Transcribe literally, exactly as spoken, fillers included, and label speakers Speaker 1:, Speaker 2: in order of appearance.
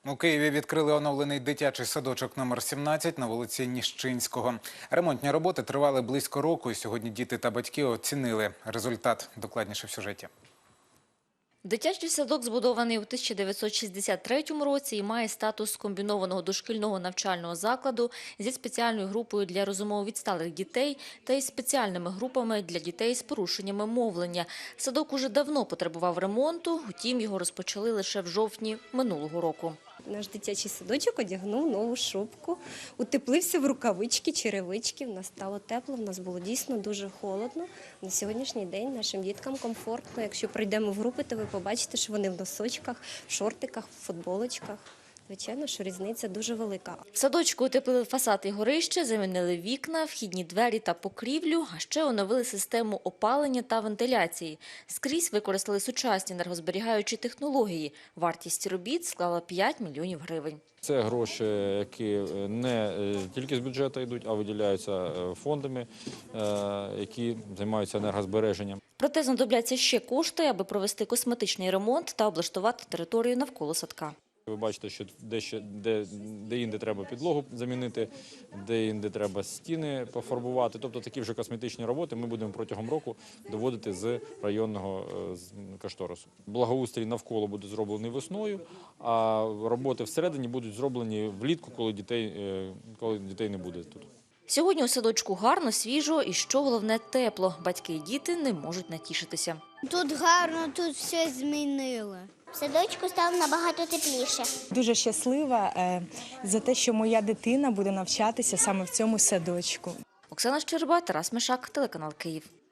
Speaker 1: У Києві відкрили оновлений дитячий садочок номер сімнадцять на вулиці Ніщинського. Ремонтні роботи тривали близько року, і сьогодні діти та батьки оцінили результат. Докладніше в сюжеті.
Speaker 2: Дитячий садок збудований у тисяча дев'ятсот шістдесят третьому році і має статус комбінованого дошкільного навчального закладу зі спеціальною групою для розумово відсталих дітей та із спеціальними групами для дітей з порушеннями мовлення. Садок уже давно потребував ремонту, утім його розпочали лише в жовтні минулого року.
Speaker 3: Наш дитячий садочок одягнув нову шубку, утеплився в рукавички, черевички. В нас стало тепло, в нас було дійсно дуже холодно. На сьогоднішній день нашим діткам комфортно. Якщо прийдемо в групи, то ви побачите, що вони в носочках, в шортиках, в футболочках. Звичайно, що різниця дуже велика.
Speaker 2: В садочку утеплили фасад і горище, замінили вікна, вхідні двері та покрівлю, а ще оновили систему опалення та вентиляції. Скрізь використали сучасні енергозберігаючі технології. Вартість робіт склала п'ять мільйонів гривень.
Speaker 4: Це гроші, які не тільки з бюджету йдуть, а виділяються фондами, які займаються енергозбереженням.
Speaker 2: Проте знадобляться ще кошти, аби провести косметичний ремонт та облаштувати територію навколо садка.
Speaker 4: Ви бачите, що де-інде де, де, де треба підлогу замінити, де-інде треба стіни пофарбувати. Тобто такі вже косметичні роботи ми будемо протягом року доводити з районного кошторису. Благоустрій навколо буде зроблений весною, а роботи всередині будуть зроблені влітку, коли дітей, коли дітей не буде тут.
Speaker 2: Сьогодні у садочку гарно, свіжо і, що головне, тепло. Батьки і діти не можуть натішитися.
Speaker 5: Тут гарно, тут все змінили. В садочку стало набагато тепліше.
Speaker 6: Дуже щаслива за те, що моя дитина буде навчатися саме в цьому садочку.
Speaker 2: Оксана Щерба, Тарас Мишак, телеканал Київ.